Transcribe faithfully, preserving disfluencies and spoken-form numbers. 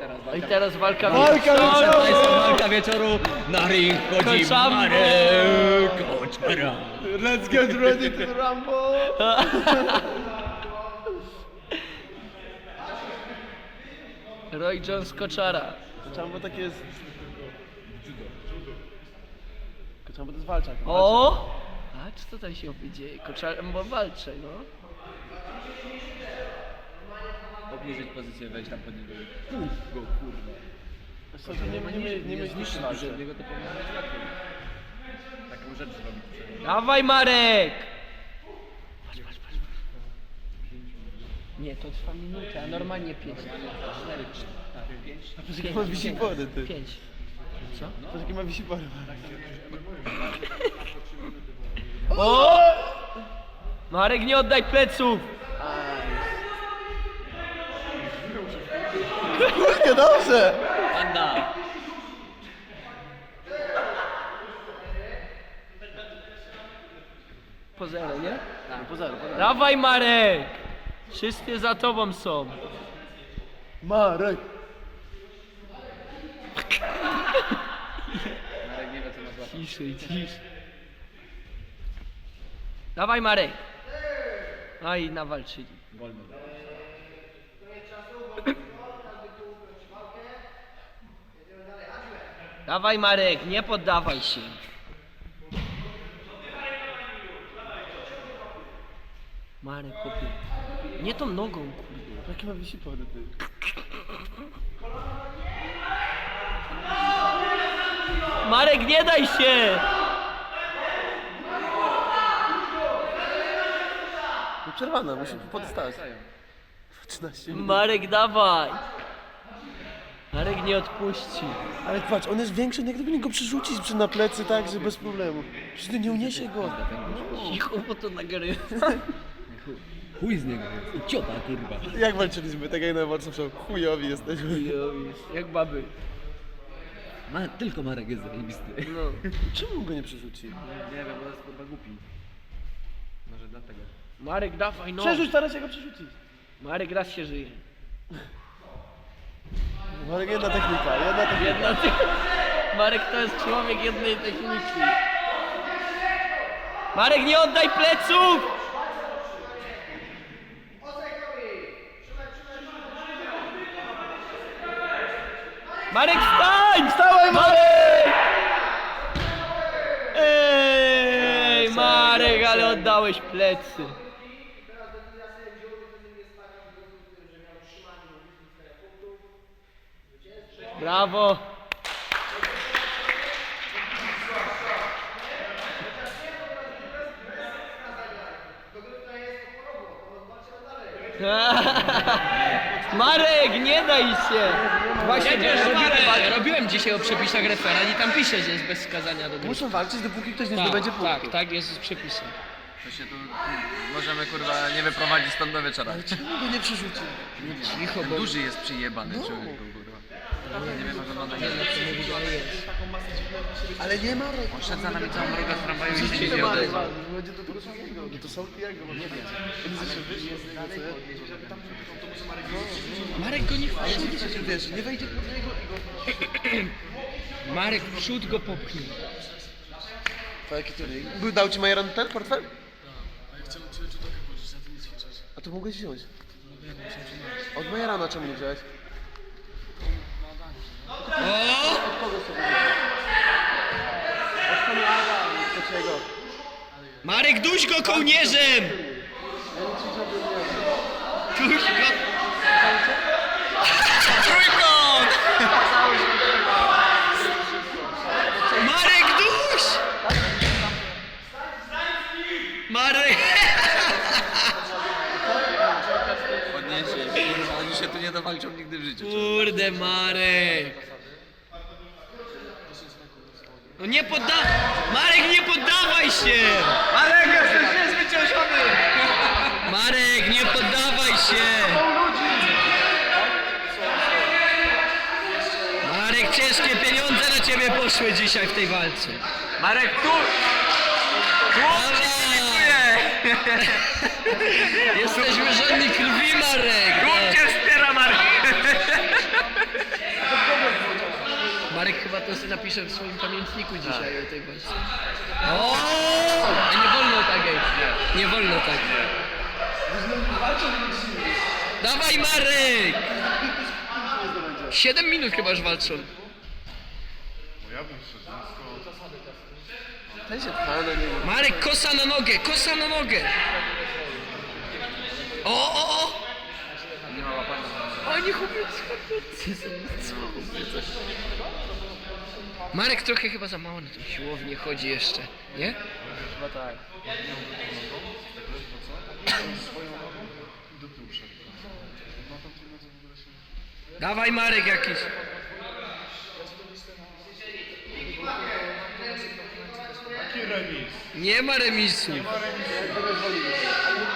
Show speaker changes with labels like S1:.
S1: teraz
S2: I teraz walka
S3: Walka
S2: wieczoru.
S3: wieczoru!
S1: To jest walka wieczoru. Na ring wchodzi
S2: Koczambo!
S1: Marek Koczara.
S3: Let's get ready to rumble!
S2: Roy Jones Koczara.
S3: Koczambo tak jest... Koczambo to jest walczak.
S2: O! A czy co tam się dzieje? Koczambo walczy, no.
S1: Obniżyć pozycję, wejść tam pod niego. Puf go, kurwa.
S3: Co, to nie, nie, nie, nie, nie zniszczy walce.
S1: Niego to powinno być łatwiej. Taką rzecz zrobić.
S2: Dawaj Marek! Patrz, patrz, patrz. Nie, to trwa minutę, a normalnie pięć.
S1: cztery, cztery, pięć.
S3: Patrz jakie ma wisipory, ty.
S2: Pięć. Co?
S3: Patrz jakie ma wisipory.
S2: O! Marek, nie oddaj pleców!
S3: Kurde, dobrze!
S1: Panda!
S2: Po zero, nie?
S3: Tak, po zero, po zero.
S2: Dawaj Marek! Wszyscy za tobą są.
S3: Marek!
S1: Marek nie wie co ma złapać.
S2: Ciszej, ciszej. Dawaj Marek! No i nawalczyli.
S1: Wolno.
S2: Dawaj Marek, nie poddawaj się. Marek, chłopie. Nie tą nogą, kurde.
S3: Jakie ma wisipory, ty.
S2: Marek, nie daj się!
S3: No przerwana, musi podstać. trzynaście minut.
S2: Marek, dawaj! Marek nie odpuści.
S3: Ale patrz, on jest większy, jak gdyby go przerzucić przy na plecy, tak, że bez problemu. Przecież ty nie uniesie go.
S2: Cicho, bo to nagrywa.
S1: Chuj z niego jest. Ciota, kurwa.
S3: Jak walczyliśmy, tak jak na walce chujowi jesteśmy.
S2: Jak baby.
S1: Ma, tylko Marek jest zajebisty.
S2: No.
S3: Czemu go nie przerzuci?
S1: Nie wiem, bo jest kurwa głupi. Może dlatego.
S2: Marek, dawaj, no.
S3: Przerzuć, teraz się go przerzucić.
S2: Marek raz się żyje.
S3: Marek, jedna technika, jedna technika.
S2: Jedna ty... Marek to jest człowiek jednej techniki. Marek, nie oddaj pleców! Marek, wstań! Wstałem, Marek! Ej, Marek, ale oddałeś plecy. Brawo! Marek, nie daj się! Właśnie robiłem, robiłem dzisiaj o przepisach referat i tam pisze, że jest bez skazania do gry.
S3: Muszą walczyć, dopóki ktoś nie
S2: Tak,
S3: zdobędzie punktu.
S2: tak, tak, jest z przepisem.
S1: To się tu możemy kurwa nie wyprowadzić stąd do wieczora.
S3: Czemu go nie przerzucił?
S2: Cicho,
S1: Ten
S2: bo...
S1: duży jest przyjebany człowieku, kurwa. Nie wiem, jak wygląda nie
S3: Ale nie Marek.
S1: On szedł za nami całą drogę z tramwaju i się
S3: Nie
S1: nie
S3: Marek,
S1: odezwał.
S3: będzie do tego drugiego. No to są jego, nie wiem. Oni zawsze wyszli,
S2: Marek go nie
S3: ale nie wiecie, wiesz, nie wejdzie pod niego i go...
S2: Marek, w przód go popchnij.
S3: To jaki to Był dał ci Majeran ten portfel?
S4: A ja chciałem cię czy trochę pożyczyć, a ty nie ćwiczysz.
S3: A to mogłeś wziąć.
S4: No wiem, muszę przynaleźć.
S3: Od Majerana czemu nie wziąłeś?
S2: O!
S3: Od kogo sobie wziąłeś? Od Konrada, od czego?
S2: Marek, duś go kołnierzem! Duś go... Trójkąt! Marek, duś! Marek!
S1: Podniesie, kurwa, oni się tu nie dowalczą nigdy w życiu.
S2: Kurde, Marek! No nie podda... Marek, nie poddawaj się!
S1: Marek, jesteś niezwyciężony!
S2: Marek, nie poddawaj się! Marek, ciężkie pieniądze na ciebie poszły dzisiaj w tej walce.
S1: Marek, tu! Chłop ci kibicuje!
S2: Jesteśmy żadni krwi, Marek!
S1: Chłop cię wspiera, Marek!
S2: to sobie napiszę w swoim pamiętniku dzisiaj o tej walce. O, nie wolno tak, ej. Nie wolno tak. Dawaj Marek! Siedem minut chyba już walczą.
S3: Ten się pcha na niego.
S2: Marek, kosa na nogę, kosa na nogę! O, o, o! Oni chłopiec, Marek trochę chyba za mało na tą siłownię chodzi jeszcze, nie?
S1: Chyba tak.
S2: Dawaj Marek jakiś. Nie ma remisu.